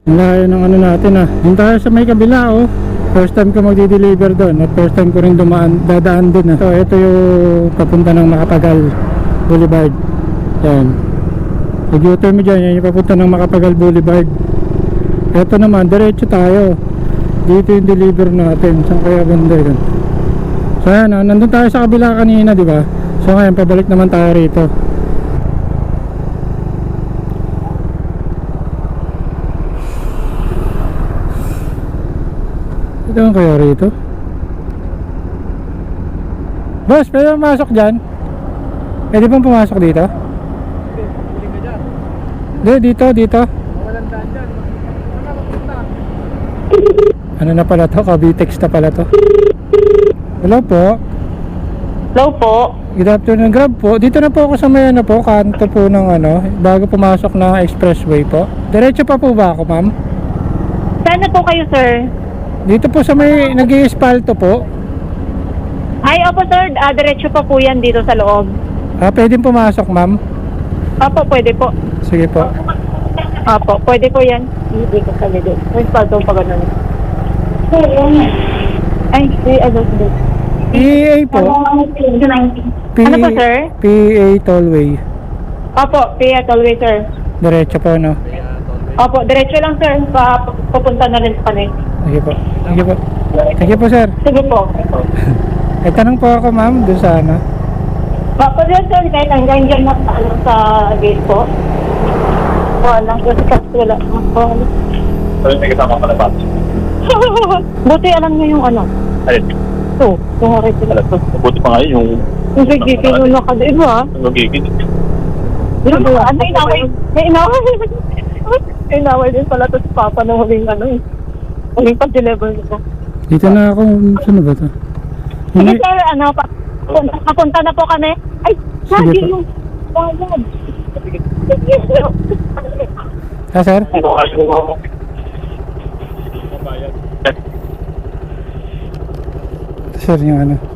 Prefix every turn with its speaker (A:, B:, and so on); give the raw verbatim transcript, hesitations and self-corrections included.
A: Ang layo ng ano natin ah. Yung tayo sa may kabila oh. First time ko magdi-deliver doon at first time ko rin dumaan, dadaan din ah. So ito yung papunta ng Makapagal Boulevard. Yan. Pag U-turn mo dyan, yan yung papunta ng Makapagal Boulevard. Ito naman, diretso tayo. Dito yung deliver natin. Saan kaya banda yun? So yan ah, nandun tayo sa kabila kanina, di ba? So ngayon, pabalik naman tayo rito. Ito ang kaya rito. Boss, pwede pumasok dyan? Pwede bang pumasok dito? Hindi, dito, dito.
B: Walang daan dyan. Wala mapunta.
A: Ano na pala to? Kabitex na pala to. Hello po.
C: Hello po.
A: Good afternoon, Grab po. Dito na po ako sa may ano po, kanto po ng ano, bago pumasok ng expressway po. Diretso pa po ba ako, ma'am?
C: Saan na po kayo, sir?
A: Dito po sa may nag-i-espalto po.
C: Ay, opo, sir. Ah, diretso pa po yan dito sa loob.
A: Ah, pwedeng pumasok, ma'am?
C: Opo, pwede po.
A: Sige po.
C: Opo, pwede po yan. Hindi ko kami din. May spalto pa ganun. Ay, ay, ano, hindi.
A: P A po. P
C: Ano po, sir?
A: P A Tollway.
C: Opo, Pia Tollway, sir.
A: Diretso po, no?
C: Opo, diretso lang, sir. Pa, pupunta na rin kami.
A: Sige po. Sige po. Sige po, sir.
C: Sige po.
A: May tanong po ako, ma'am, doon sa ano.
C: Opo, sir, sir. Kahit hanggang dyan na ano, sa gate po. Wala. Kasi kasi wala. Wala.
B: Pero may kasama ka na ba?
C: Buti alam niyo yung ano.
B: Ayun.
C: So, kung harap sila.
B: Alam ko, mabuti pa nga yun yung...
C: Yung gigigil mo na ka, di ba?
B: Yung magiging.
C: Ano ba? Ano inaway? May inaway. May inaway din pala to si Papa nung huling ano eh. Huling pag-deliver nito.
A: Dito na ako. Saan ba to?
C: Sige
A: May-
C: sir, ano pa? Punta, papunta na po kami. Ay,
A: Sige
C: lagi
A: po.
C: yung bayad.
A: Ah, sir?
B: Ano kasi mo?
A: Sir, yung ano.